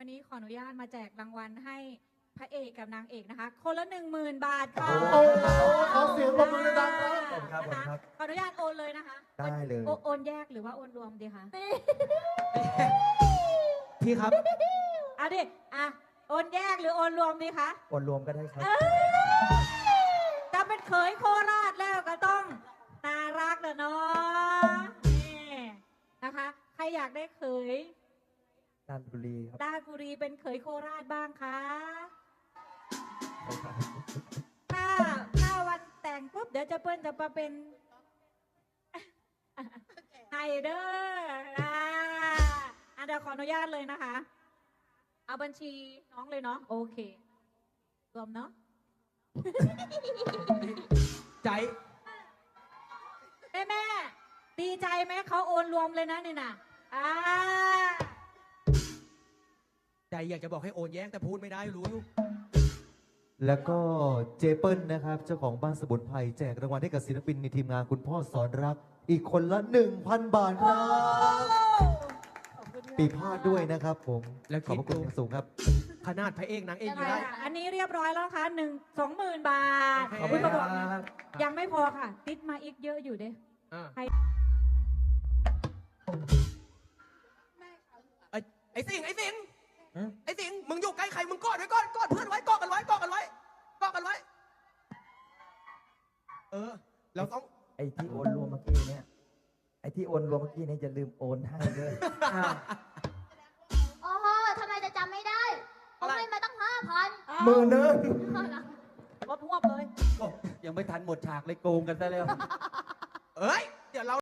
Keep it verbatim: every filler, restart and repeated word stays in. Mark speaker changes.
Speaker 1: วันนี้ขออนุญาตมาแจกรางวัลให้พระเอกกับนางเอกนะคะ คนละหนึ่งหมื่นบาทค่ะ
Speaker 2: โอ้โหขอเสียงปรบมือดังครับ
Speaker 3: ขอบคุณครับขอบคุณครับ
Speaker 1: ขออนุญาตโอนเลยนะคะ
Speaker 3: ได้เลย
Speaker 1: โอโอนแยกหรือว่าโอนรวมดีคะ
Speaker 3: พี่ครับ
Speaker 1: เอาดิอ่ะโอนแยกหรือโอนรวมดีคะ
Speaker 3: โอนรวมก็ได้ครับ
Speaker 1: จะเป็นเขยโคราชแล้วก็ต้องน่ารักเด้อเนาะนี่นะคะ ใครอยากได้เขย
Speaker 3: ดานบุรีครับ
Speaker 1: ราชบุรีเป็นเขยโคราชบ้างคะถ้าถ้าวันแต่งปุ๊บเดี๋ยวจะเปิ้ลจะมาเป็นไฮเดอร์อ่าอ่ะเดี๋ยวขออนุญาตเลยนะคะ เอาบัญชีน้องเลยเนาะโอเค รวมเนาะ
Speaker 4: ใจ
Speaker 1: แม่แม่ดีใจไหมเขาโอนรวมเลยนะนี่น่ะอ่า
Speaker 4: ใจอยากจะบอกให้โอนแย้งแต่พูดไม่ได้รู้อยู่
Speaker 3: แล้วก็เจเปิลนะครับ เจ้าของบ้านสมุนไพรแจกรางวัลให้กับศิลปินในทีมงานคุณพ่อสอนรัก อีกคนละ หนึ่งพัน บาทครับ
Speaker 1: ขอบคุณค่ะ
Speaker 3: ปีพาดด้วยนะครับผม
Speaker 4: แล้ว
Speaker 3: ขอบพระคุณ
Speaker 4: คิดดู
Speaker 3: อย่างสูงครับ
Speaker 4: ขนาดพระเอกนางเอก
Speaker 1: ยัง
Speaker 4: อยู่
Speaker 1: ไง
Speaker 4: ได้
Speaker 1: อ่ะอันนี้เรียบร้อยแล้วนะคะหนึ่งสองหมื่นบาท
Speaker 4: ขอบคุณ
Speaker 1: ย
Speaker 4: ครับ
Speaker 1: ยังไม่พอค่ะ ติดมาอีกเยอะอยู่เด้
Speaker 4: อ่า
Speaker 1: ใคร
Speaker 4: ไอ้ไอ้สิงห์ไอ้สิงห์
Speaker 3: อืม
Speaker 4: ไอ้สิงห์มึงอยู่ใกล้ใครมึงกอดไว้ก่อนกอดเพื่อนไว้กอดกันไว้กอดกันไว้กอดกันไว้ เออ เราต้อง
Speaker 5: ไอ้ที่โอนรวมเมื่อกี้เนี่ย ไอ้ที่โอนรวมเมื่อกี้เนี่ยอย่าลืมโอนให้ด้วย
Speaker 6: โอ้โหทำไมจะจำไม่ได้ผมให้มาตั้งห้าพัน
Speaker 5: หมือหนึง
Speaker 1: รถหวบเลย
Speaker 5: ยังไม่ทันหมดฉากเลยโกงกันซะแล้ว
Speaker 4: เอ้ย เดี๋ยวเรา